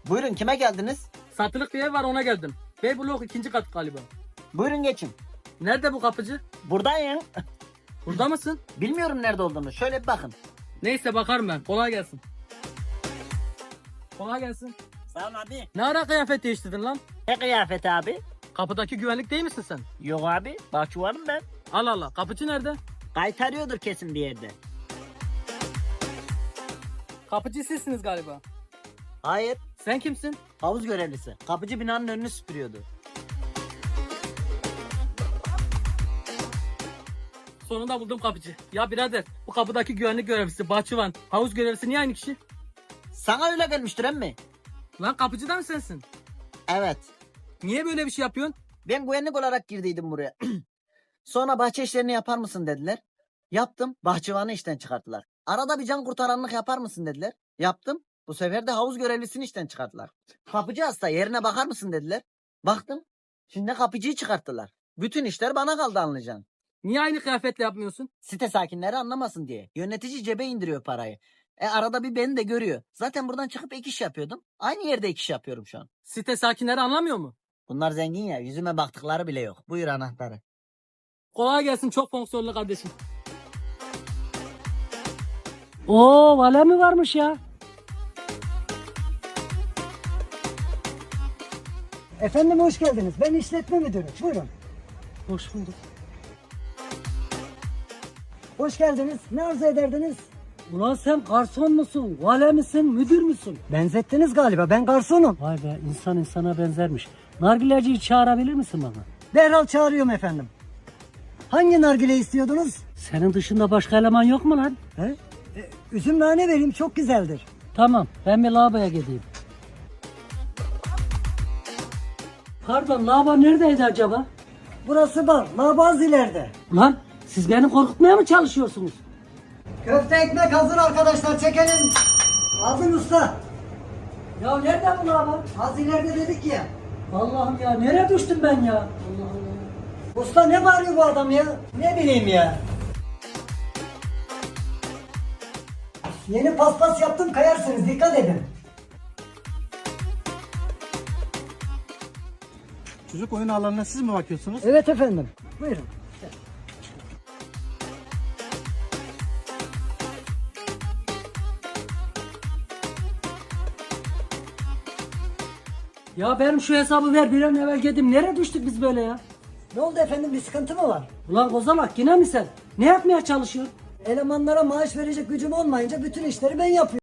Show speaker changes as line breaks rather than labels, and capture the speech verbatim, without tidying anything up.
Buyurun, kime geldiniz?
Satılık bir ev var, ona geldim. Bey blok ikinci kat galiba.
Buyurun geçin.
Nerede bu kapıcı?
Buradayım.
Burada mısın?
Bilmiyorum nerede olduğunu. Şöyle bir bakın.
Neyse bakarım ben. Kolay gelsin. Kolay gelsin.
Sağ ol abi.
Ne ara kıyafet değiştirdin lan?
Ne kıyafet abi?
Kapıdaki güvenlik değil misin sen?
Yok abi. Bahçıvanım ben.
Allah Allah. Kapıcı nerede?
Kaytarıyordur kesin bir yerde.
Kapıcı sizsiniz galiba.
Hayır.
Sen kimsin?
Havuz görevlisi. Kapıcı binanın önünü süpürüyordu.
Sonunda buldum kapıcı. Ya birader, bu kapıdaki güvenlik görevlisi, bahçıvan, havuz görevlisi niye aynı kişi?
Sana öyle gelmiştir emmi.
Lan kapıcı da mı sensin?
Evet.
Niye böyle bir şey yapıyorsun?
Ben güvenlik olarak girdiydim buraya. Sonra bahçe işlerini yapar mısın dediler. Yaptım. Bahçıvanı işten çıkarttılar. Arada bir can kurtaranlık yapar mısın dediler. Yaptım. Bu sefer de havuz görevlisini işten çıkarttılar. Kapıcı hasta, yerine bakar mısın dediler. Baktım. Şimdi kapıcıyı çıkarttılar. Bütün işler bana kaldı, anlayacaksın.
Niye aynı kıyafetle yapmıyorsun?
Site sakinleri anlamasın diye. Yönetici cebe indiriyor parayı. E arada bir beni de görüyor. Zaten buradan çıkıp ek iş yapıyordum. Aynı yerde ek iş yapıyorum şu an.
Site sakinleri anlamıyor mu?
Bunlar zengin ya. Yüzüme baktıkları bile yok. Buyur anahtarı.
Kolay gelsin, çok fonksiyonlu kardeşim. Oo, vale mi varmış ya?
Efendim hoş geldiniz. Ben işletme müdürü. Buyurun.
Hoş bulduk.
Hoş geldiniz. Ne arzu ederdiniz?
Ulan sen garson musun, vale misin, müdür müsün?
Benzettiniz galiba. Ben garsonum.
Vay be, insan insana benzermiş. Nargileciyi çağırabilir misin bana?
Derhal çağırıyorum efendim. Hangi nargile istiyordunuz?
Senin dışında başka eleman yok mu lan?
He? E, üzüm nane vereyim. Çok güzeldir.
Tamam, ben bir lavaboya gideyim. Pardon, lavabo neredeydi acaba?
Burası bar. Labaz ileride.
Lan siz beni korkutmaya mı çalışıyorsunuz?
Köfte ekmek hazır arkadaşlar. Çekelim. Hazır usta.
Ya nerede bu lavabo?
Az ileride dedik ya.
Allah'ım ya, nereye düştüm ben ya? Allah Allah.
Usta ne bağırıyor bu adam ya? Ne bileyim ya. Yeni paspas yaptım, kayarsınız. Dikkat edin.
Çocuk oyun alanına siz mi bakıyorsunuz?
Evet efendim. Buyurun.
Ya benim şu hesabı ver, bir an evvel gideyim. Nereye düştük biz böyle ya?
Ne oldu efendim? Bir sıkıntı mı var?
Ulan kozalak, yine mi sen? Ne yapmaya çalışıyorsun?
Elemanlara maaş verecek gücüm olmayınca bütün işleri ben yapıyorum.